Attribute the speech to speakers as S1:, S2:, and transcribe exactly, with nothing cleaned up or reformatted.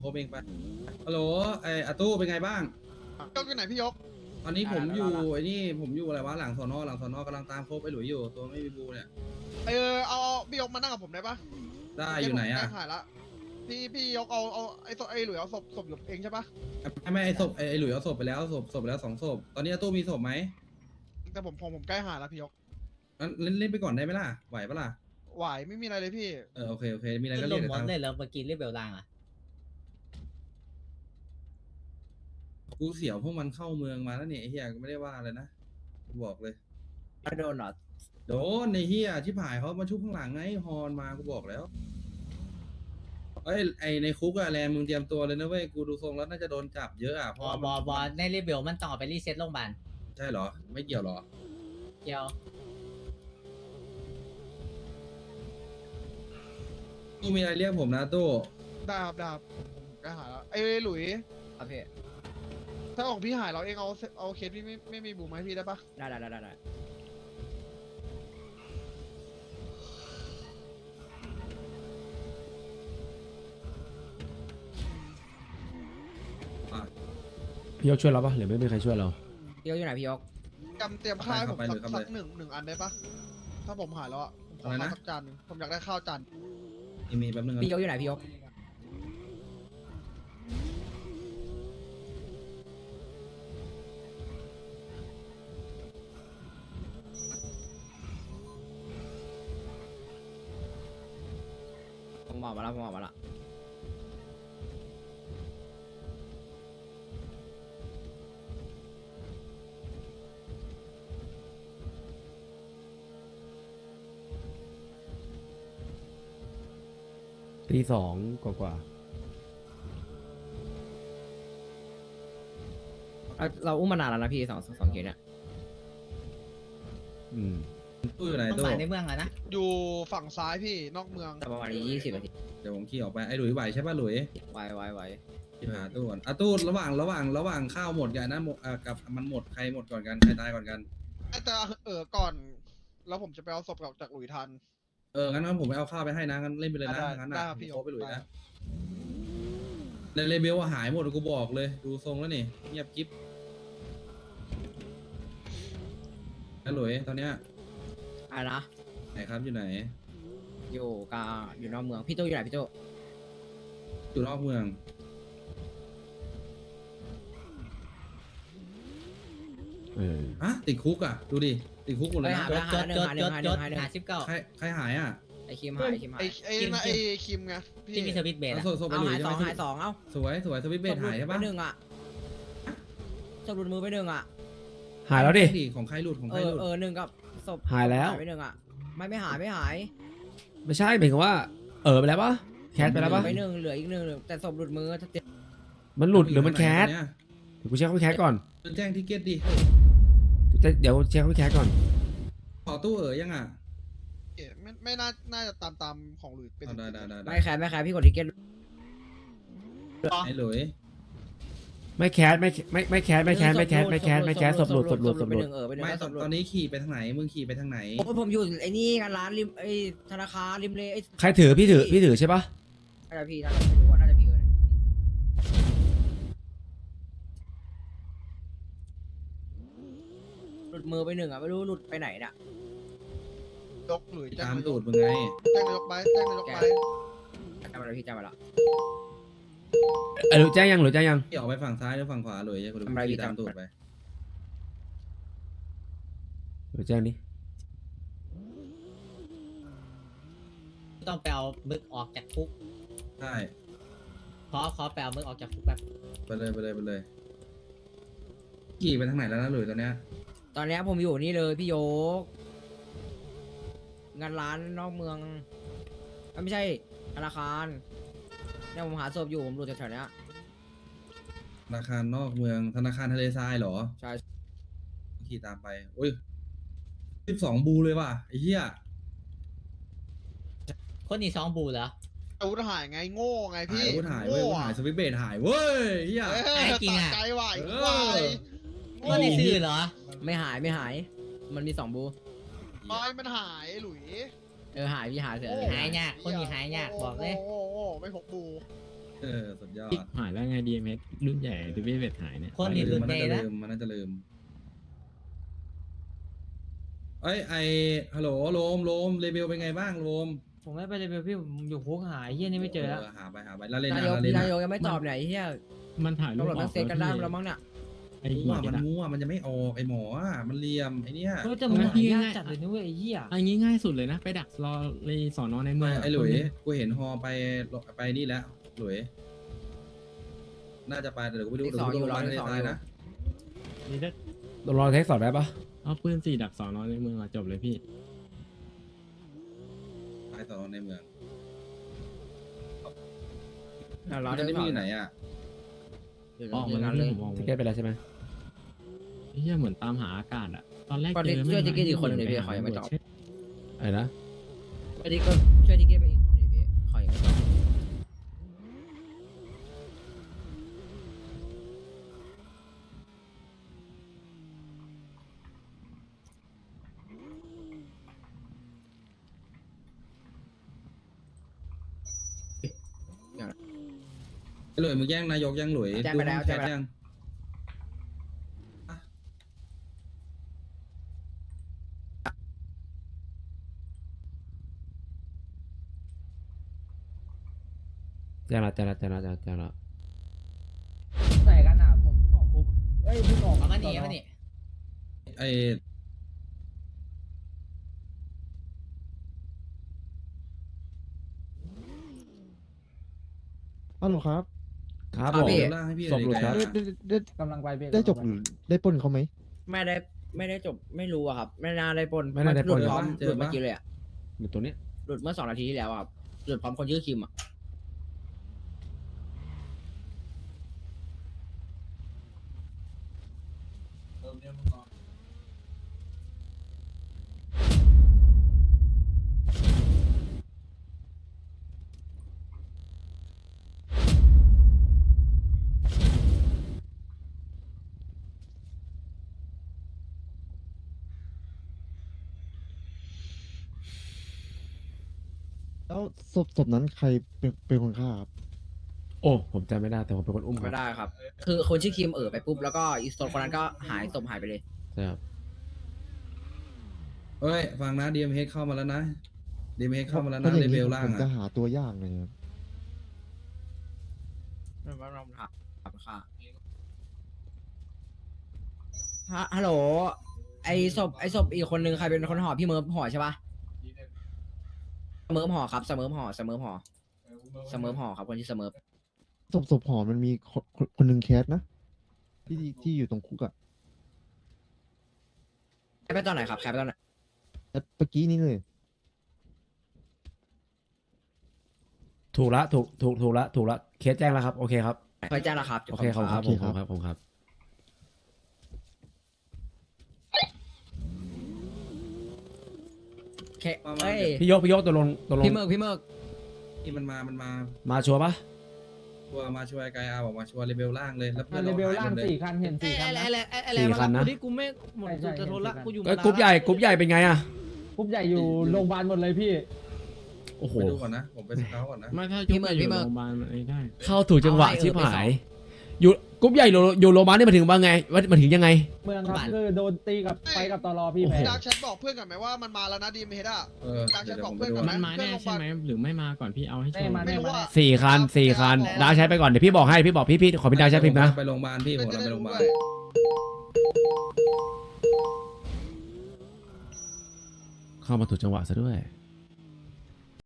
S1: โทรเองไปฮัลโหลไออาตู้เป็นไงบ้าง
S2: ยกอยู่ไหนพี่ยก
S1: ตอนนี้ผมอยู่ไอ้นี่ผมอยู่อะไรวะหลังสอนอหลังสอนอกำลังตามโคบไอหลุยอยู่ตัวไม่มีบูเนี่ย
S2: เออเอาพี่ยกมานั่งกับผมได้ปะ
S1: ได้อยู่ไหน
S2: ใกล้
S1: อ่ะ
S2: หายละพี่พี่ยกเอาเอาไอ้ศพไอ้หลุยเอาศพศพอยู่เองใช่ปะ
S1: ไม่ไม่ไอศพไอหลุยเอาศพไปแล้วศพศพไปแล้วสองศพตอนนี้อาตู้มีศพไหม
S2: แต่ผมผมผมใกล้หายแล้วพี่ยก
S1: งั้นเล่นเล่นไปก่อนได้ไหมล่ะไหวปะล่ะ
S2: ไหวไม่มีอะไรเลยพี่
S1: เออโอเคโอเคมีอะไร
S3: ขึ้
S1: ก็
S3: นล
S1: เรียก
S3: ม
S1: เดี๋ยว
S3: มอ
S1: ทาง
S3: สเลยแล้วเมื่อกี้เรียกเบลล่างอ่ะ
S1: กูเสียวพวกมันเข้าเมืองมาแล้วเนี่ยไอ้เฮียก็ไม่ได้ว่าอะไรนะกูบอกเลย
S3: ไม่โดนหรอ
S1: โดนในเฮียชิบหายเขามาชุบข้างหลังไงฮอนมากูบอกแล้วเอ้ยไอในคุกอะแลนมึงเตรียมตัวเลยนะเว้ยกูดูทรงแล้วน่าจะโดนจับเยอะอะเพ
S3: บ
S1: ราะ
S3: อ
S1: ว่า
S3: บอบอในเรียกเบลมันต้องเอาไปรีเซ็ตโรงพยาบาล
S1: ใช่เหรอไม่เกี่ยวเหรอ
S3: เกี่ยว
S1: ตู้มีอะไรเรียกผมนะตู้
S2: ได้ครับได้ครับผมผมใกล้หายแล้วไอ้หลุย
S3: ครับพี่
S2: ถ้าของพี่หายเราเองเอาเอาเคสพี่ไม่ไม่มีบูมให้พี่ได้ปะ
S3: ได้ได้ได้ได้
S1: อ่ะ
S4: พี่ยกช่วยเราปะหรือไม่มีใครช่วยเรา
S3: พี่ยกอยู่ไหนพี่ยก
S2: จำเตรียมข้าวให้ผมสักสักหนึ่งหนึ่งอันได้ปะถ้าผมหายแล้วอะผมขอข้าวสักจานหนึ่งผมอยากได้ข้าวจาน
S1: มีมีแป๊บนึงนะ
S3: พี่ยกอยู่ไหนพี่ยก ผมบอกมาแล้วผมบอกมาแล้ว
S4: ตีสองกว่ากว่า
S3: เราอุ้มมานานแล้วนะพี่สองสองเคสเนี่ย
S4: อืม
S1: ตู้อยู่ไหน
S3: ต้อง
S1: ตู้
S3: มาในเมืองอะนะ
S2: อยู่ฝั่งซ้ายพี่นอกเมือง
S3: แต่ประมาณยี่สิบนาที
S1: เดี๋ยวผมขี่ออกไปไอ้หลุยไหวใช่ป่ะหลุย
S3: ไวไวไว
S1: ขี่หาตู้ก่อนอ่ะตู้ระหว่างระหว่างระหว่างข้าวหมดกันนะหมดอ่ะกับมันหมดใครหมดก่อนกันใครตายก่อนกัน
S2: แต่เออก่อน แล้วผมจะไปเอาศพกับจากหลุยทัน
S1: เอองั้นงั้นผมไปเอาข้าวไปให้นะงั้นเล่นไปเลยนะ
S2: ได้
S1: งั้น
S2: ได้
S1: นะครับ
S2: พี่
S1: โคบไปหลุย
S2: ได้
S1: นะในเลเบลว่าหายหมดกูบอกเลยดูทรงแล้วนี่เงียบกิ๊บแล้วหลุยตอนเนี้ย
S3: อะไรนะ
S1: ไหนครับอยู่ไหน
S3: อยู่กาอยู่นอกเมืองพี่โจอยู่ไหนพี่โจ
S1: อยู่นอกเมือง
S4: เออ
S1: อะติดคุกอ่ะดูดิติดคุกหมดเล
S3: ไป
S1: ย
S3: หา
S1: นะ
S3: ไปหาหนึ่งหาหนึ่งหาหนึ่งหาหนึ่งหาสิบเก้า
S1: ใครใครหายอ่ะ
S3: ไอคิมหายไอคิมหาย
S2: ไอ้ไอ้นั่นไอ้คิมไงพี่
S3: ที่มีสวิตช์เบส
S1: เอา
S3: อะ
S1: ศพศพไป
S3: เอา
S1: หลุย
S3: หาย
S1: ใช่
S3: ส
S1: ไหม
S3: องหายสองเอ้า
S1: สวยสวยสวิตช์เบสหายใช่
S3: ไป
S1: ปะ
S3: หนึ่งอ่ะศพหลุดมือไปหนึ่งอ่ะ
S4: หายแล้วดิ
S1: ของใครหลุดของ
S3: เอ
S1: ใคร
S3: อ
S1: หลุด
S3: เออหนึ่งกับศพ
S4: หายแล้ว
S3: ไปหนึ่งอ่ะไม่ไม่หายไม่หาย
S4: ไม่ใช่หมายถึงว่า เออไปแล้วปะแคสไปแล้วปะ
S3: ไปหนึ่งเหลืออีกหนึ่งแต่ศพหลุดมือถ้าเจ็บ
S4: มันหลุดหรือมันแคส
S1: เนี่ย
S4: เดี๋ยวกูเช็คเขาไปแคสก่อน
S1: แจ้งทิเก็ตดิ
S4: เดี๋ยวเช็คเขาไปแคสก่อน
S1: ขอตู้เอ๋ยยังอ่ะ
S2: เอ๊ะไม่ไม่น่าน่าจะตามตามของหลุยเป็น
S1: เอาได้ได้ได้
S3: ไม่แคร์ไม่แคร์พี่กดทิเก็ต
S1: ไอ้หลุย
S4: ไม่แคสไม่ไม่ไม่แคสไม่แคสไม่แคสไม่แคสไม่แคสศพหลุดศพหลุดศพ
S3: ไป
S4: ห
S3: ห
S4: ลุด
S3: นึ่งเออไปหนึ่ง
S1: ไม่
S3: แล้ว
S1: ต
S3: ศ
S1: อน
S3: พหลุด
S1: ตอนนี้ขี่ไปทางไหนมึงขี่ไปทางไหน
S3: โอ้ยผมอยู่ไอ้นี่กันร้านริมไอ้ธนาคารริมเลยไอ้
S4: ใครถือพี่ถือพี่ถือใช่ปะ
S3: น่าจะพี่น่าจะไม่รู้ว่าน่าจะพี่เลยหลุดมือไปหนึ่งอ่ะไม่รู้หลุดไปไหนน่ะ
S2: ยกหลุยแจ้ง
S1: ตาม
S2: นาย
S1: ตู
S2: ก
S1: ดมึงไง
S2: แจ้งนายกไปแจ้งนายกไป
S3: จำมาแล้วพี่จำมาแล้ว
S4: เออหรือแจ้งยังหรือแจ้งยัง
S1: ขี่ออกไปฝั่งซ้ายหรือฝั่งขวาหลุยกูดูขี่ตามตูดไป
S4: หรือแจ้งดิ
S3: ต้องไปเอามึกออกจากคุก
S1: ใช่
S3: ขอขอไปเอามึกออกจากคุกแบบ
S1: ไปเลยไปเลยไปเลยขี่ไปทางไหนแล้วนะหลุยตอนเนี้ย
S3: ตอนนี้ผมอยู่นี่เลยพี่โยก งานร้านนอกเมืองเอ้ยไม่ใช่ธนาคารเนี่ยผมหาศพอยู่ผมดูแถวๆเนี้ย
S1: ธนาคารนอกเมืองธนาคารทะเลทรายเหรอ
S3: ใช่
S1: ขี่ตามไปโอ้ยสิบสองบูเลยว่ะไอ้เหี้ย
S3: คนนี้สองบูเหรอ
S2: อาวุธหายไงโง่ไง
S1: หา
S2: พี่
S1: ยอาวุธหายเว้ยอาวุธหายสวิตช์เบสหายเว้ยเหี้ย
S2: เออ
S3: หายจริงอะ
S2: สะใจไหว
S1: เออ
S2: ไหว
S3: คนนี้ซื่อเหรอ ไม่หายไม่หาย มันมีสองบู
S2: ไม้มันหายหลุย
S3: เออหายพี่หายเถ
S2: โอ้
S3: อะหายยากคนนี้หายยากบอกเลย
S2: โอ้โหโอ้โหไม่พกบู
S1: เออสุดยอด
S5: หายแล้วไง ดี เอ็ม เอส รุ่นใหญ่ที่พี่เวทหายเนี่ย
S6: คนนี้
S1: ลื
S6: รุ่
S1: ม
S6: น
S1: มัน
S6: ใหญ่
S1: น่าจะ
S6: นะ
S1: ลืมมันน่าจะลืมเอ้ยไอฮัลโหลโลมโลมเลเบลเป็นไงบ้างโลม
S6: ผมไม่ไปเลยพี่ผมอยู่คุกหายเฮียนี่ไม่เจอแล้ว
S1: หาไปหาไปแล้วเล่น
S3: นา
S1: นะ
S3: ยก
S1: แล้วเล่น
S3: นา
S1: นะ
S3: ยกยังไม่ตอบไหนเฮีย
S5: มันถ่ายรู
S3: ตำ
S5: ป
S3: รวจ
S5: อ
S3: มั
S5: อน ก
S3: เซ็นกันได้แล้วมั้งเนี่ย
S5: ไอ้
S1: มั่
S5: หั
S1: ว
S5: ว
S1: มัน
S5: เนี่ย
S1: มั่วมันจะไม่ออกไอหมออะมันเหลี่ยมไอเนี้ย
S6: เฮ้ยแต่มึงหายากจัดเลยนะเว้ยไอ้เหี้ย
S5: อันนี้ง่ายสุดเลยนะ ไปดักรอในสอนอในเมืองะ
S1: ไอหลุยกูเห็นฮอไปไปนี่แล้วหลุยน่าจะไปแต่เดี๋ยวกูไปดูเดี๋ยวกูดูโรงพยาบาลในตายนะ
S5: นี่ถ้า
S4: ต้องรอเทคสอบได้ปะ
S5: เอาปืนสี่ดักสอนอในเมืองอะจบเลยพี่
S1: ไปต่อในเมือง
S3: อ่ะรอ
S1: มัน
S3: ได้
S1: จะ
S3: ก่
S1: มี
S3: อน
S1: อยู่ไหนอ่ะ
S5: ออกมาแล้วพี่ผมออก
S4: ทิ
S5: มา
S4: เก็ตไปแล้วใช่ไหม
S5: ไอ้เหี้ยเหมือนตามหาอากาศอะตอนแรก
S3: ก่อน
S5: เจ
S3: ที่
S5: อ
S3: ช่วย
S5: ไม่
S3: ทิกเก็ตอีกคนหนึ่งเลยพี่ขอยังไม่ตอบ
S4: อะไรนะ
S3: อันนี้ก็ช่วยทิกเก็ตไปอีกคนหนึ่งพี่ขอยังไม่ตอบ
S1: ไอหลุยมึงแย่งนายกยังหลุย
S3: แจ้งไปแล้ว
S1: ดู
S3: แจ้งไป
S1: แชท
S3: แล้ว
S1: ยัง
S4: แจ้งละแจ้งละแจ้งละแจ้งละแจ้งละ
S6: ใส่กันอ่ะผมออกคุกเอ้ยพี่ออก
S3: เอามานี่เอามานี่
S1: ไอ
S2: ฮัลโหลครับ
S4: ครับ
S3: ครั
S4: ผ
S3: บ
S4: ม
S3: พี่
S1: เดี๋ยวล่างให้พี่
S4: ศพหลุด
S1: เลย
S4: ครับ
S1: ไกล
S2: ได้
S1: อะ
S2: ได้ได้
S6: กำลังไปพี่
S2: ได้จบหรือได้ปล้นเขาไหม
S3: ไม่ได้ไม่ได้จบไม่รู้อะครับ ไม่น่าได้ปล้น
S4: ไม่น่าได้ปล้น
S3: หลุดพร้อมหลุดเมื่อกี้เลยอะ
S4: หลุดตัวเนี้ย
S3: หลุดเมื่อสองนาทีที่แล้วอะครับหลุดพร้อมคนชื่อคิมอะ
S2: แล้วศพศพนั้นใครเป็นเป็นคนฆ่าครับ
S4: โอ้ผมจำไม่ได้แต่ผมเป็นคนอุ้มค
S3: ไม่
S4: รับ
S3: ได้ครับ คือคนชื่อคิมเออไปปุ๊บแล้วก็อีสโตนคนนั้นก็หายศพหายไปเลย
S4: ใช่ครับ
S1: เอ้ยฟังนะดีเอ็มเฮเข้ามาแล้วนะดีเอ็มเฮเข้ามาแล้ว
S2: ถ้
S1: นะ
S2: อย่
S1: เล
S2: ง
S1: เว
S2: นี้
S1: ลล่าง
S2: ผมจะ
S1: อ่ะ
S2: หาตัวยากเลยครับ
S3: ไม่ว่าเราถามถามค่ะฮะฮัลโหล ไอศพไอศพอีกคนนึงใครเป็นคนห่อพี่เมิร์ฟห่อใช่ปะเสเมิร์ฟห่อครับเสเมิร์ฟห่อเสเมิร์ฟห่อเสเมิร์ฟห่อครับคนที่เสเมิร์ฟ
S2: ศพศพหอมันมีคนคนคนหนึ่งแคสนะ ที่ที่อยู่ตรงคุกอะ
S3: แคปไปตอนไหนครับแคปไปตอนไหน
S2: แอดเมื่อกี้นี้เลย
S4: ถูกละถูกถูกถูกละถูกละเคสแจ้งแล้วครับโอเคครับ
S3: เคยแจ้งแล้วครับ
S4: โอเคครับครับผมครับผมครับ
S3: โอเคเฮ้ย
S4: พี่ยกพี่ยกตัวลงตัวลง
S3: พี่เมิร์กพี่เมิร์ก
S1: ที่มันมามันมา
S4: มาชัวร์ปะ
S1: ชัวร์มาช่วยไกอาบอกมาช่วยเลเวลล่างเลยแล้ว
S6: อ่ะเลเวลล่างสี่คันเห็นสี่คันนะ
S4: สี่คันนะ
S6: ที่กูไม่หมดจะทนละกูอยู่
S4: เอ้ยกรุ๊ปใหญ่กรุ๊ปใหญ่เป็นไงอะ
S6: กรุ๊ปใหญ่อยู่โรงพยาบาลหมดเลยพี่
S4: โอ้โห
S1: ไปดูก่อนนะ ผมไปสเกาก่อนนะ
S5: ไม่ถ้ายุบอยู่โรงพยาบาลไอ้ได้
S4: เข้าถูกจังหวะชิบหายอยู่กรุ๊ปใหญ่อยู่อยู่โรงพยาบาลนี่มาถึงว่าไงว่ามาถึงยังไง
S6: เมืองครับคือโดนตีกับไปกับตลอพี่
S4: โอ้
S6: แพ้
S4: โห
S2: ดาร์กแชทบอกเพื่อนกันไหมว่ามันมาแล้วนะดีมเฮดอะ
S1: เออ
S2: การ
S1: เดี๋ยว
S2: จะ
S1: เดี๋ยว
S2: บ
S1: ผ
S2: อก
S1: มไป
S2: เพื่อน
S1: ดู
S2: ก่อ
S5: มันมาแน่ใช่ไหมหรือไม่มาก่อนพี่เอาให้ชัวร์
S2: ไม่รู้ว่า
S4: สี่คันสี่คันดาวใช้ไปก่อนเดี๋ยวพี่บอกให้พี่บอกพี่พี่ขอพี่ดาวใช้พิมพ์นะ
S1: ไปโรงพยาบาลพี่ผม
S2: จะ
S1: กำลัง
S2: ได้
S1: ไปโร
S2: รู้
S1: งพยาบา
S2: ด้
S1: ล
S2: วย
S4: เข้ามาถูกจังหวะซะด้วย